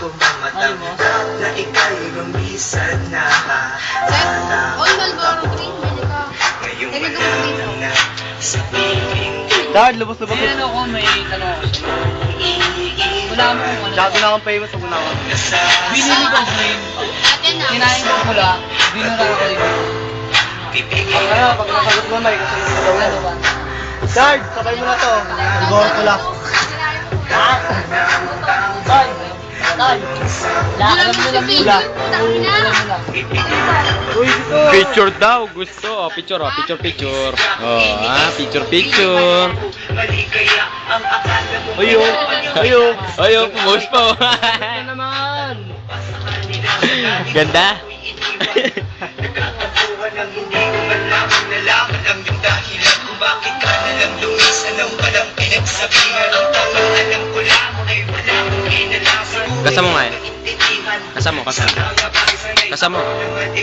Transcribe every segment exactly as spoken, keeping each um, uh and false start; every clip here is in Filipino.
ko mamatanggap na ika'y rumisan na Oy, Malboro Green, hindi ka. ngayong Hindi ka wala dito. na sa piling Dad, lubos-lubos. May ano ako, may tanong ako sa'yo. Wala mo kung ano. Dati na akong famous, huwag na ako. Binili ko green. Atin na. Kinain ko pula. Binura ko yung Ang ano, pag nasagot mo, may kasi yung daw ano yan. ba? Dad, sabay mo na to. Siguro ko lang. Ha? Dad, Dad. Alam mo lang yun. Wala. Alam mo lang. Uy, dito. Picture daw, gusto. Oh, picture, oh, picture, picture. Oh, ah, picture, picture. maligaya ang akala mo Ayun, ayun. Ayun, pumost pa. Oh. Ano naman? Ganda. Nagkakatuhan ang hindi ko malaman. Nalaman ang yung dahilan kung bakit ka nalang lumisan ng walang pinagsabihan. Ang tawang alam ko lang ay wala kong kinalaman. Kasama mo nga eh. Kasama mo, kasama. Kasama mo.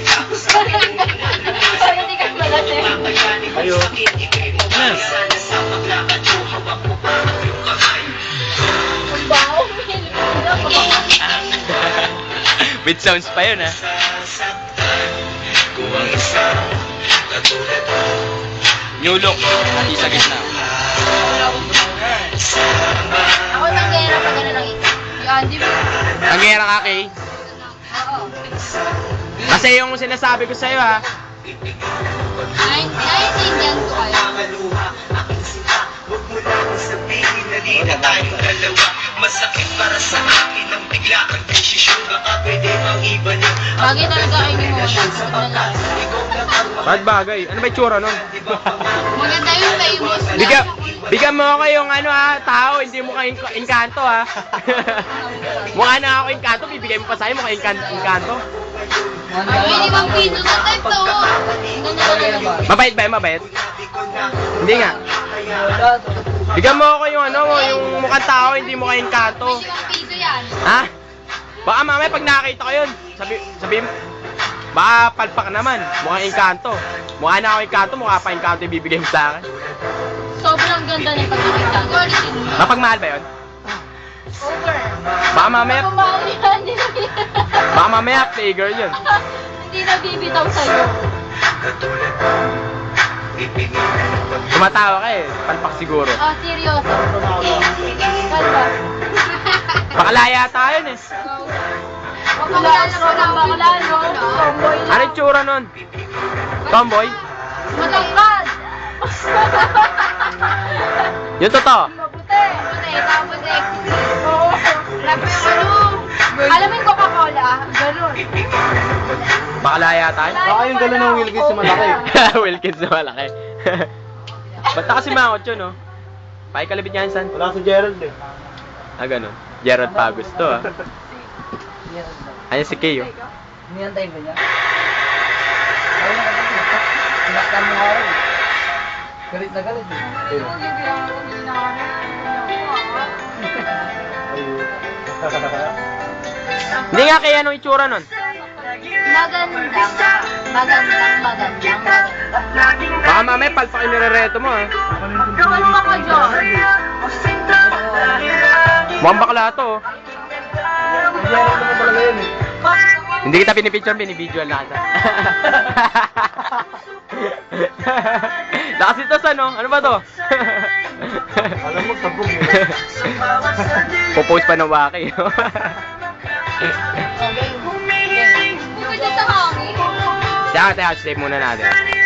Hindi ka pala siya. Ayun. Ano? Ang baho. With sounds pa yun, ah. Kung ang isang katulad mo Nyulok. Pati sa gitna. Ako nang gera pa gano'n lang ito. Yan, di ba? Ang gera ka, Kay. Oo. Kasi yung sinasabi ko sa'yo, ha. Nine- Naiintindihan ko kayo. Nakakaluha, aking sinta. Huwag mo lang sabihin na di na tayong dalawa. Masakit para sa akin ang bigla kang desisyon. Baka pwede bang iba niyo Bagay talaga kayo ni Mona. Tignan lang. Ba't bagay? Ano ba itsura nun? Maganda yung famous na. Bigyan, bigyan mo ako yung ano, ha, tao, hindi mo kayo inkanto, ha. Mukha na ako inkanto, bibigay mo pa sa'yo, mukha inkan inkanto. Ay, hindi bang pino na type to? Ang ganda Bagay na ba? naman. Mabait ba yun, mabait? Hindi nga. Bigyan mo ako yung ano, yung mukhang tao, hindi mo kayo inkanto. Hindi bang piso yan? Ha? Baka mamaya pag nakita ko yun, sabi, sabi mo, baka palpak naman, mukhang inkanto. Mukha na ako inkanto, mukha pa inkanto yung bibigay mo sa akin. Sobrang ganda ng pagkakita. Quality. Mapagmahal ba yun? Over. Baka mamaya, Kumahal yan. Hindi na baka mamaya, figure yun. Hindi na bibitaw sa'yo. Katulad mo, ipinilan pag Tumatawa ka eh, palpak siguro. Oh, seryoso. Kalba. Bakalaya tayo yun eh. Bakla ko na, bakla no. Tomboy lang. Ano yung tsura nun? Tomboy? Matangkad. Yung totoo? Mabuti. Mabuti. Tapos eh. Oo. Wala pa yung ano. Alam mo yung Coca-Cola? Ganun. Bakalaya tayo? Baka yung gano'n ng Wilkins sa malaki. Wilkins na malaki. Ba't na kasi mangot yun, no? Pakikalabit niya san? Wala si Gerald eh. Ah, ganun. Gerard Pagos to, ah. Ayan si Kay, oh. Niyantayin ko niya. Ayaw na kasi. Sinaktan mo nga rin. Galit na galit eh. Hindi nga kaya anong itsura nun? Magandang, magandang, magandang, magandang. Baka mamaya palpak yung nirereto mo, ah. Gawin mo ka dyan. Mukhang bakla to, oh. Gerald naman talaga yun eh. Hindi kita pinipicture, binibidyoan lang kita. Nakasitas ano? Ano ba to? Alam mo, sabog eh. Popost pa ng waki. Bukod dyan sa hangin. Teka, teka, save muna natin.